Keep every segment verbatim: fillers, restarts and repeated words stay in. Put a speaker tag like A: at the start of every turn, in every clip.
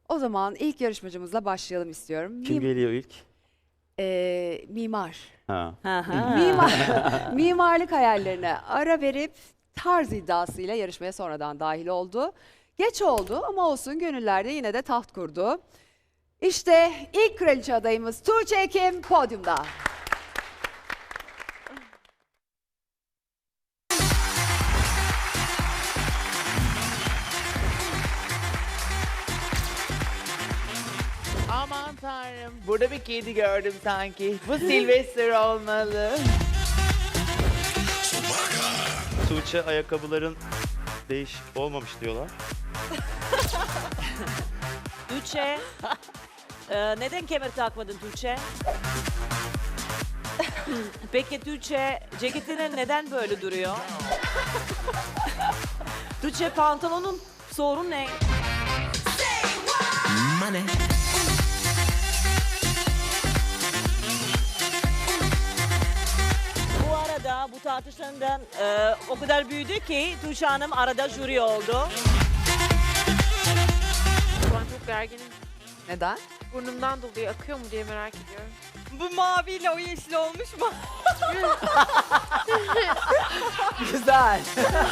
A: O zaman ilk yarışmacımızla başlayalım istiyorum.
B: Kim
A: Mim-
B: geliyor ilk?
A: Ee, mimar.
B: Ha.
A: Mimar. Mimarlık hayallerine ara verip tarz iddiasıyla yarışmaya sonradan dahil oldu. Geç oldu ama olsun, gönüllerde yine de taht kurdu. İşte ilk kraliçe adayımız Tuğçe Ekim podyumda.
C: Aman tanrım, burada bir kedi gördüm sanki. Bu Sylvester olmalı.
B: Tuğçe, ayakkabıların değişik olmamış diyorlar.
D: Tuğçe, e, neden kemer takmadın Tuğçe? Peki Tuğçe, ceketinin neden böyle duruyor? Tuğçe, pantolonun sorun ne?
E: Money.
D: Bu arada bu tartışmadan e, o kadar büyüdü ki Tuğçe Hanım arada jüri oldu.
F: Şu an çok gerginim.
A: Neden?
F: Burnumdan dolayı akıyor mu diye merak ediyorum.
G: Bu maviyle o yeşil olmuş mu?
C: Güzel.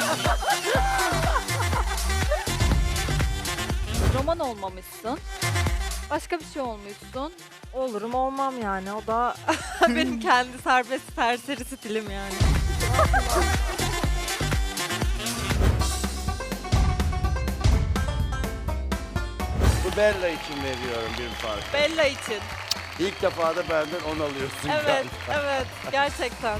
G: Roman olmamışsın. Başka bir şey olmuşsun.
H: Olurum olmam yani, o da
G: Benim kendi serbest serseri stilim yani.
I: Bu Bella için veriyorum bir fark.
G: Bella için.
I: İlk defa da benden on alıyorsun.
G: Evet,
I: galiba.
G: evet. Gerçekten.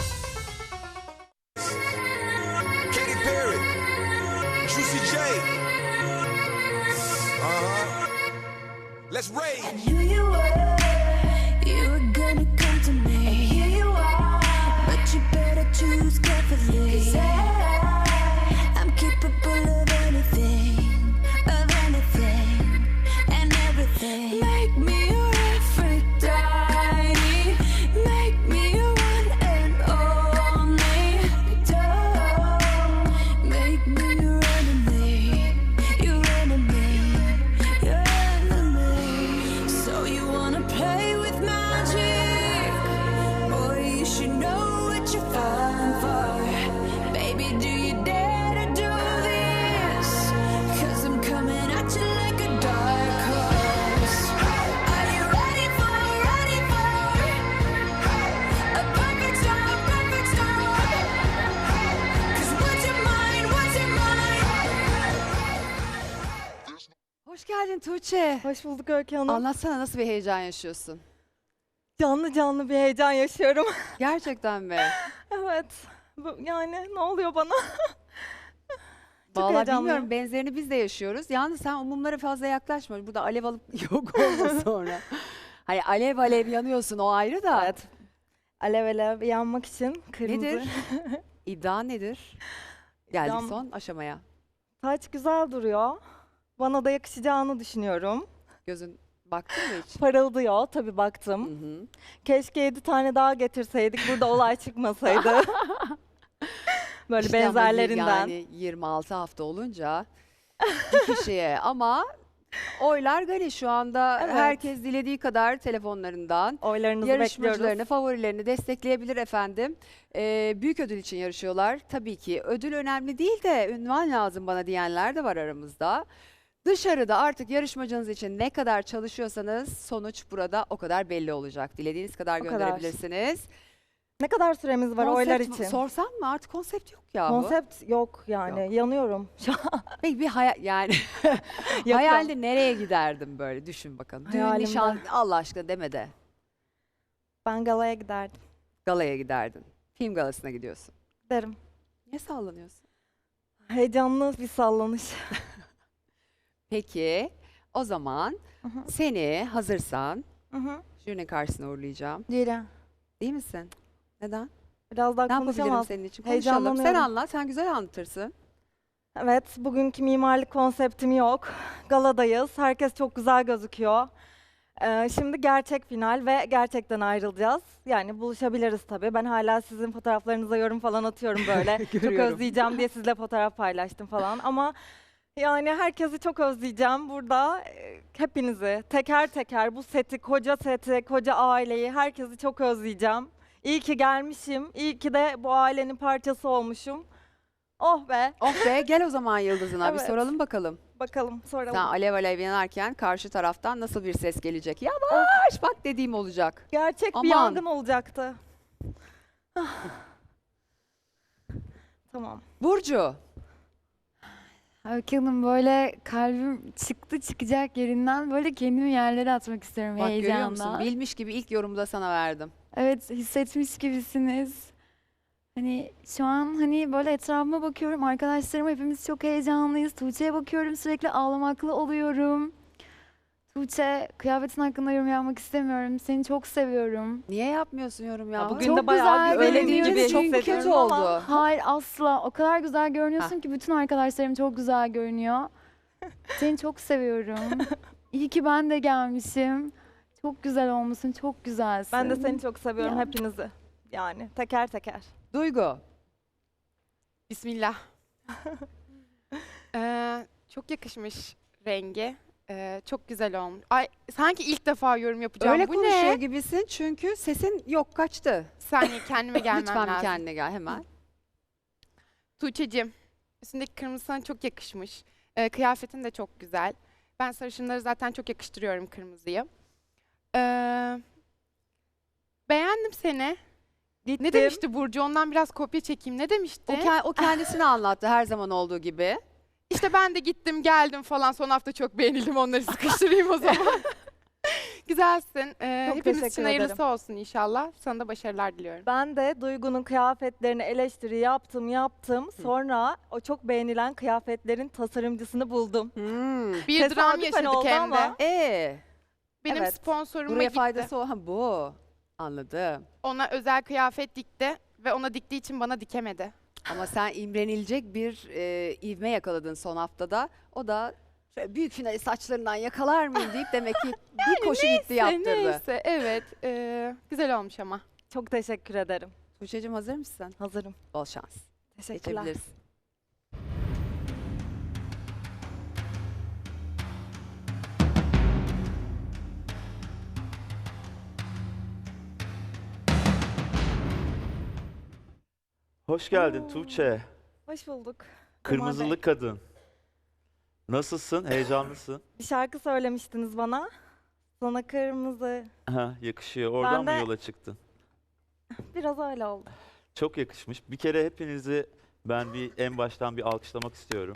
E: Katy Perry. Juicy J. Uh-huh. Let's rage.
J: Knew you were, you were gonna come to me. And here you are, but you better choose carefully. 'Cause I, I'm capable of anything, of anything, and everything. Make me your Aphrodite, make me your one and only. Don't make me your enemy, your enemy, your enemy. So you wanna play with magic? Boy, you should know what you're falling for. Baby, do you dare to do this? 'Cause I'm coming at you like a dark horse. Are you ready for, ready for a perfect storm, perfect storm? 'Cause what's your mind, what's your mind?
A: Hoş geldin Tuğçe.
H: hoş bulduk Öykü Hanım.
A: Anlatsana, nasıl bir heyecan yaşıyorsun?
H: Canlı canlı bir heyecan yaşıyorum.
A: Gerçekten mi?
H: Evet. Bu- Yani ne oluyor bana? Çok
A: Vallahi
H: heyecanlıyım.
A: bilmiyorum, benzerini biz de yaşıyoruz. Yalnız sen o mumlara fazla yaklaşma. Burada alev alıp yok olma sonra. Hani alev alev yanıyorsun, o ayrı da.
H: Evet. Alev alev yanmak için kırmızı.
A: Nedir? İddia nedir? Geldik
H: İddiam-
A: son aşamaya.
H: Saç güzel duruyor. Bana da yakışacağını düşünüyorum.
A: Gözün baktın mı hiç?
H: Parıldıyor, tabii
A: Hı
H: baktım.
A: hı.
H: Keşke yedi tane daha getirseydik, burada olay çıkmasaydı. Böyle
A: İşte ama
H: benzerlerinden.
A: Yani yirmi altı hafta olunca bir kişiye, ama oylar gali şu anda.
H: Evet.
A: Herkes dilediği kadar telefonlarından
H: Oylarınızı
A: yarışmacılarını,
H: bekliyoruz.
A: favorilerini destekleyebilir efendim. Ee, büyük ödül için yarışıyorlar. Tabii ki ödül önemli değil de ünvan lazım bana diyenler de var aramızda. Dışarıda artık yarışmacınız için ne kadar çalışıyorsanız sonuç burada o kadar belli olacak. Dilediğiniz kadar
H: O kadar.
A: gönderebilirsiniz.
H: Ne kadar süremiz var oylar
A: Konsept
H: için?
A: sorsam mı? Artık konsept yok ya bu.
H: Konsept yok yani. Yanıyorum şu an.
A: Peki bir hayal, yani
H: Yok,
A: hayalde nereye giderdim böyle, düşün bakalım. Düğün,
H: Hayalimde.
A: nişan, Allah aşkına deme de.
H: Ben galaya giderdim.
A: Galaya giderdin. Film galasına gidiyorsun.
H: Derim.
A: Niye sallanıyorsun?
H: Heyecanlı bir sallanış.
A: Peki o zaman
H: Hı hı.
A: seni hazırsan
H: Hı hı.
A: jürinin karşısına uğurlayacağım.
H: Değilim.
A: Değil misin? Neden?
H: Biraz daha
A: Ne yapabilirim
H: konuşamaz.
A: senin için? Konuşalım. Sen
H: Heyecanlanıyorum.
A: anlat. Sen güzel anlatırsın.
H: Evet, bugünkü mimarlık konseptim yok. Galadayız. Herkes çok güzel gözüküyor. Ee, şimdi gerçek final ve gerçekten ayrılacağız. Yani buluşabiliriz tabii. Ben hala sizin fotoğraflarınıza yorum falan atıyorum böyle. Çok
A: Görüyorum.
H: özleyeceğim diye sizle fotoğraf paylaştım falan. Ama yani herkesi çok özleyeceğim burada. Ee, hepinizi teker teker bu seti, koca seti, koca aileyi, herkesi çok özleyeceğim. İyi ki gelmişim. İyi ki de bu ailenin parçası olmuşum. Oh be.
A: Oh be, gel o zaman Yıldız'ına bir
H: Evet.
A: soralım bakalım.
H: Bakalım soralım.
A: Sen alev alev yanarken karşı taraftan nasıl bir ses gelecek? Yavaş bak dediğim olacak.
H: Gerçek
A: Aman.
H: bir yangın olacaktı. Ah. Tamam.
A: Burcu.
G: Öykü Hanım böyle kalbim çıktı çıkacak yerinden böyle kendimi yerlere atmak istiyorum
A: Bak görüyor musun?
G: heyecandan.
A: Bilmiş gibi ilk yorumda da sana verdim.
G: Evet hissetmiş gibisiniz. Hani şu an hani böyle etrafıma bakıyorum arkadaşlarım hepimiz çok heyecanlıyız. Tuğçe'ye bakıyorum sürekli ağlamaklı oluyorum. Tuğçe kıyafetin hakkında yorum yapmak istemiyorum. Seni çok seviyorum.
A: Niye yapmıyorsun yorum ya?
H: Bugün
G: Çok
H: de bayağı
G: güzel
H: bir öyle
G: görünüyor
H: gibi
A: çok
G: çünkü.
A: kötü
H: hissediyorum ama-
A: oldu.
G: Hayır asla. O kadar güzel görünüyorsun ki bütün arkadaşlarım çok güzel görünüyor. Seni çok seviyorum. İyi ki ben de gelmişim. Çok güzel olmuşsun, çok güzelsin.
H: Ben de seni çok seviyorum
G: Ya.
H: hepinizi. Yani teker teker.
A: Duygu.
F: Bismillah. Ee, çok yakışmış rengi. Ee, çok güzel olmuş. Ay sanki ilk defa yorum yapacağım.
A: Öyle
F: Bu
A: konuşuyor
F: ne?
A: gibisin çünkü sesin yok kaçtı.
F: Bir saniye kendime gelmem
A: Lütfen bir
F: lazım.
A: kendine gel hemen.
F: Tuğçe'cim, üstündeki kırmızı sana çok yakışmış. Ee, kıyafetin de çok güzel. Ben sarışınları zaten çok yakıştırıyorum kırmızıyı. Ee, beğendim seni.
H: Gittim.
F: Ne demişti Burcu? Ondan biraz kopya çekeyim. Ne demişti?
A: O, ke- o kendisini anlattı her zaman olduğu gibi.
F: İşte ben de gittim geldim falan. Son hafta çok beğenildim. Onları sıkıştırayım o zaman. Güzelsin. Ee,
H: Çok
F: hepimiz
H: teşekkür
F: için
H: ederim.
F: hayırlısı olsun inşallah. Sana da başarılar diliyorum.
H: Ben de Duygu'nun kıyafetlerini eleştiri yaptım yaptım. Sonra o çok beğenilen kıyafetlerin tasarımcısını buldum.
A: Hmm.
F: Bir dram
H: Tesadüfen
F: yaşadık
H: oldu
F: hem de.
H: ama.
A: Ee,
F: Benim
H: evet.
F: sponsoruma
A: buraya
F: gitti.
A: faydası o. Ha, bu. Anladım.
F: Ona özel kıyafet dikti ve ona diktiği için bana dikemedi.
A: Ama sen imrenilecek bir e, ivme yakaladın son haftada. O da şöyle büyük finali saçlarından yakalar mıyım deyip demek ki bir koşu gitti yaptırdı.
F: Neyse evet. Ee, güzel olmuş ama.
H: Çok teşekkür ederim.
A: Tuğçe'cim hazır mısın?
H: Hazırım.
A: Bol şans.
H: Teşekkürler.
A: Geçebiliriz.
B: Hoş geldin
H: Oo.
B: Tuğçe.
H: Hoş bulduk.
B: Kırmızılı
H: Bey.
B: kadın. Nasılsın? Heyecanlısın.
H: Bir şarkı söylemiştiniz bana. Sana kırmızı.
B: Ha, yakışıyor. Oradan
H: Ben
B: mı
H: de-
B: yola çıktın?
H: Biraz öyle oldu.
B: Çok yakışmış. Bir kere hepinizi ben bir en baştan bir alkışlamak istiyorum.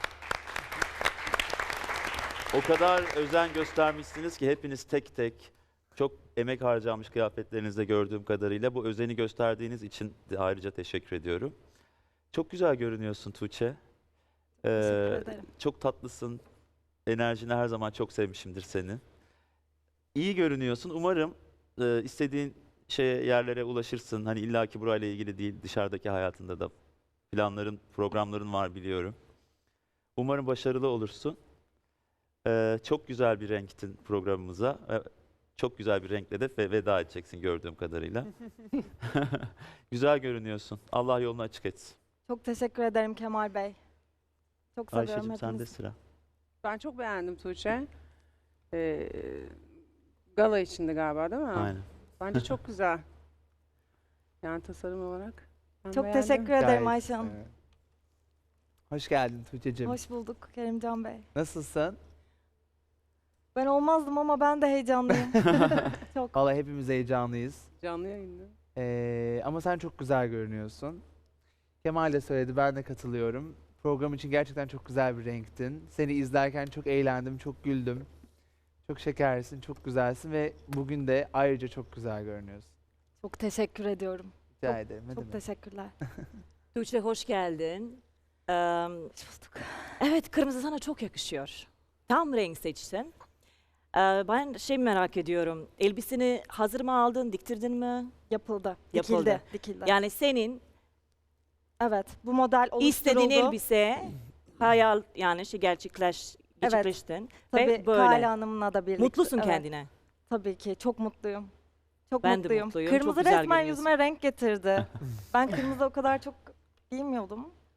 B: O kadar özen göstermişsiniz ki hepiniz tek tek çok emek harcamış kıyafetlerinizde gördüğüm kadarıyla. Bu özeni gösterdiğiniz için de ayrıca teşekkür ediyorum. Çok güzel görünüyorsun Tuğçe. Ee,
H: Teşekkür ederim.
B: çok tatlısın. Enerjini her zaman çok sevmişimdir seni. İyi görünüyorsun. Umarım e, istediğin şeye yerlere ulaşırsın. Hani illaki burayla ilgili değil, dışarıdaki hayatında da planların, programların var biliyorum. Umarım başarılı olursun. Ee, çok güzel bir renktin programımıza. Ee, çok güzel bir renkle de ve- veda edeceksin gördüğüm kadarıyla. Güzel görünüyorsun. Allah yolunu açık etsin.
H: Çok teşekkür ederim Kemal Bey. Çok seviyorum
B: Ayşe'cim sende
H: hepinizi.
B: sıra.
K: Ben çok beğendim Tuğçe. Ee, gala içinde galiba değil mi?
B: Aynen.
K: Bence çok güzel. Yani tasarım olarak. ben
H: Çok
K: beğendim.
H: teşekkür ederim Ayşe Hanım.
I: Evet. Hoş geldin Tuğçe'cim.
H: Hoş bulduk Kerimcan Bey.
I: Nasılsın?
H: Ben olmazdım ama ben de heyecanlıyım. Çok.
I: Vallahi hepimiz heyecanlıyız.
K: Canlı yayında.
I: Ee, ama sen çok güzel görünüyorsun. Kemal de söyledi, ben de katılıyorum. Program için gerçekten çok güzel bir renktin. Seni izlerken çok eğlendim, çok güldüm. Çok şekersin, çok güzelsin ve bugün de ayrıca çok güzel görünüyorsun.
H: Çok teşekkür ediyorum.
I: Rica
H: Çok-
I: ederim. ne
H: Çok
I: demek.
H: teşekkürler.
D: Tuğçe hoş geldin. Ee,
H: Hoş bulduk.
D: evet kırmızı sana çok yakışıyor. Tam renk seçtin. Ee, ben şey merak ediyorum. Elbiseni hazır mı aldın, diktirdin mi?
H: Yapıldı.
D: Yapıldı.
H: Dikildi. Dikildi.
D: Yani senin
H: Evet. Bu model oluşturuldu.
D: istediğin elbise hayal yani şey gerçekleş
H: Evet.
D: gerçekleştin.
H: Tabii
D: ve böyle.
H: Kale Hanım'la da birlikte.
D: Mutlusun
H: Evet,
D: kendine.
H: Tabii ki. Çok mutluyum. Çok
D: Ben de
H: mutluyum.
D: mutluyum, çok
H: Kırmızı
D: güzel
H: resmen
D: görünüyorsun.
H: yüzüme renk getirdi. Ben kırmızı o kadar çok giymiyordum.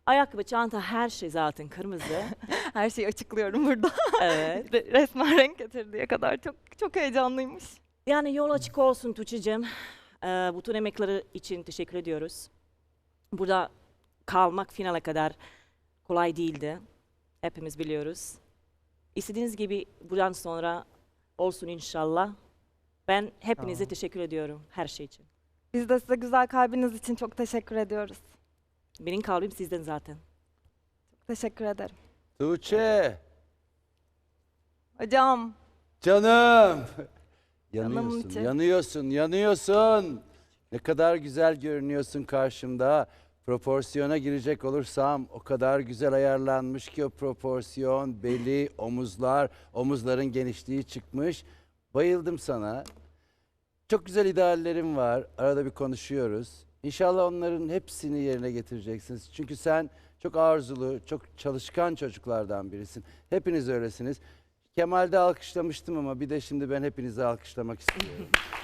D: Ayakkabı, çanta, her şey zaten kırmızı.
H: Her şeyi açıklıyorum burada.
D: Evet.
H: Re- Resmen renk getirdiği kadar çok çok heyecanlıymış.
D: Yani yol açık olsun Tuğçe'cim. Ee, bütün emekleri için teşekkür ediyoruz. Burada kalmak finale kadar kolay değildi. Hepimiz biliyoruz. İstediğiniz gibi buradan sonra olsun inşallah. Ben hepinize
I: Tamam.
D: teşekkür ediyorum her şey için.
H: Biz de size güzel kalbiniz için çok teşekkür ediyoruz.
D: Benim kalbim sizden zaten.
H: Teşekkür ederim.
L: Tuğçe,
H: Hocam,
L: canım.
H: Canım
L: Yanıyorsun,
H: içi.
L: yanıyorsun, yanıyorsun. Ne kadar güzel görünüyorsun karşımda. Proporsiyona girecek olursam o kadar güzel ayarlanmış ki o proporsiyon, beli, omuzlar, omuzların genişliği çıkmış. Bayıldım sana. Çok güzel ideallerim var. Arada bir konuşuyoruz. İnşallah onların hepsini yerine getireceksiniz. Çünkü sen çok arzulu, çok çalışkan çocuklardan birisin. Hepiniz öylesiniz. Kemal'de alkışlamıştım ama bir de şimdi ben hepinizi alkışlamak istiyorum.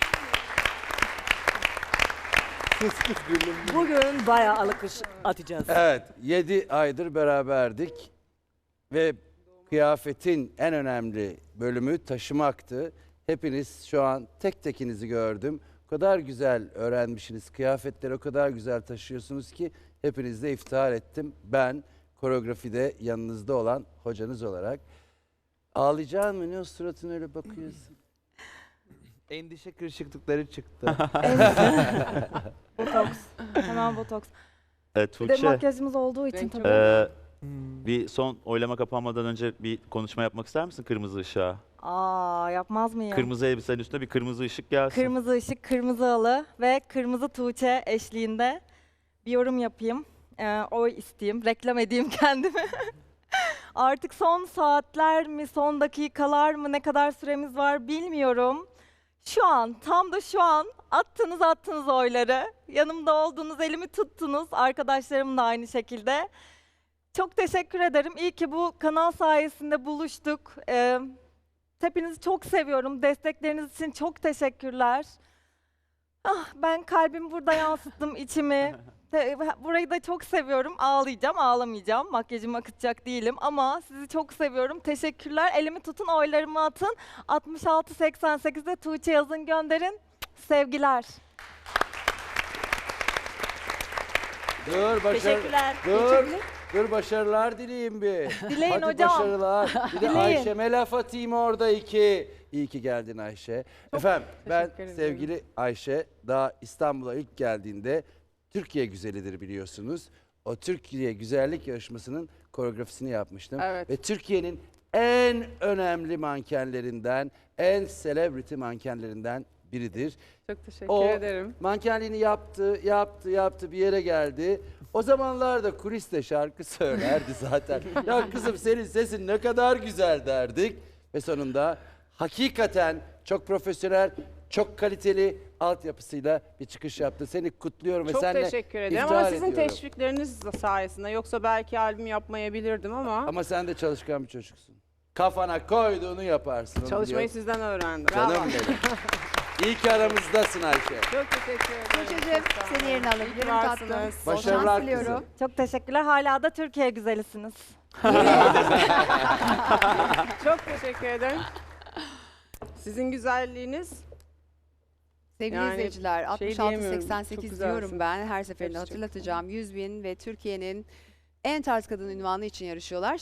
L: Kıs kıs gülüm.
D: Bugün bayağı alkış atacağız.
L: Evet, yedi aydır beraberdik ve kıyafetin en önemli bölümü taşımaktı. Hepiniz şu an tek tekinizi gördüm. O kadar güzel öğrenmişsiniz, kıyafetleri o kadar güzel taşıyorsunuz ki hepinizle iftihar ettim. Ben koreografide yanınızda olan hocanız olarak. Ağlayacaksın mı? Ne o suratına öyle bakıyorsun?
I: Endişe kırışıklıkları çıktı.
H: botoks. Hemen botoks.
B: Evet,
H: Bir de
B: Tuğçe,
H: makyajımız olduğu için
K: Renk
H: tabii.
K: çok-
B: e,
I: Hmm.
B: bir son oylama kapanmadan önce bir konuşma yapmak ister misin kırmızı ışığa?
H: Aa, yapmaz mıyım?
B: Kırmızı elbisenin üstüne bir kırmızı ışık gelsin.
H: Kırmızı ışık, kırmızı halı ve kırmızı Tuğçe eşliğinde bir yorum yapayım. Ee, oy isteyeyim, reklam edeyim kendimi. Artık son saatler mi, son dakikalar mı, ne kadar süremiz var bilmiyorum. Şu an, tam da şu an attınız attınız oyları. Yanımda oldunuz, elimi tuttunuz. Arkadaşlarım da aynı şekilde. Çok teşekkür ederim. İyi ki bu kanal sayesinde buluştuk. Ee, hepinizi çok seviyorum. Destekleriniz için çok teşekkürler. Ah, ben kalbimi burada yansıttım, içimi. Te- Burayı da çok seviyorum. Ağlayacağım, ağlamayacağım. Makyajımı akıtacak değilim ama sizi çok seviyorum. Teşekkürler. Elimi tutun, oylarımı atın. altmış altı seksen sekizde Tuğçe yazın, gönderin. Sevgiler.
L: Dur başarı.
D: Teşekkürler.
L: Dur. Dur başarılar dileyim bir.
H: Dileyin
L: Hadi
H: hocam.
L: başarılar. Bir de
H: Dileyin.
L: Ayşe'me laf atayım orada iki. İyi ki geldin Ayşe. Efendim ben
K: teşekkür ederim.
L: sevgili Ayşe daha İstanbul'a ilk geldiğinde Türkiye güzelidir biliyorsunuz. O Türkiye güzellik yarışmasının koreografisini yapmıştım.
K: Evet.
L: Ve Türkiye'nin en önemli mankenlerinden, en celebrity mankenlerinden biridir.
K: Çok teşekkür
L: O
K: ederim.
L: mankenliğini yaptı, yaptı, yaptı bir yere geldi. O zamanlarda kuliste şarkı söylerdi zaten. Ya kızım senin sesin ne kadar güzel derdik. Ve sonunda hakikaten çok profesyonel, çok kaliteli altyapısıyla bir çıkış yaptı. Seni kutluyorum ve
K: Çok
L: seninle
K: teşekkür ederim
L: iftihar
K: ama sizin
L: ediyorum.
K: teşvikleriniz sayesinde yoksa belki albüm yapmayabilirdim ama,
L: Ama sen de çalışkan bir çocuksun. Kafana koyduğunu yaparsın. onu
K: çalışmayı
L: biliyorum.
K: sizden öğrendim.
L: Canım
K: Bravo.
L: benim. İyi ki aramızdasın Ayşe.
K: Çok teşekkür ederim.
A: Tuğçe'cim
K: Çok sağ
A: seni
K: olun.
A: yerine
K: İyi ki
A: alabilirim
K: varsınız.
A: tatlım. Bol
L: Başarılar
A: şans
L: kızım.
A: diliyorum.
H: Çok teşekkürler. Hala da Türkiye güzelisiniz.
K: Çok teşekkür ederim. Sizin güzelliğiniz
A: Sevgili
K: Yani
A: izleyiciler,
K: şey
A: altmış altı
K: diyemiyorum,
A: seksen
K: çok
A: sekiz
K: güzelsiniz.
A: diyorum ben. Her seferinde
K: Hepsi çok
A: hatırlatacağım. yüz bin ve Türkiye'nin en tarz kadın unvanı için yarışıyorlar.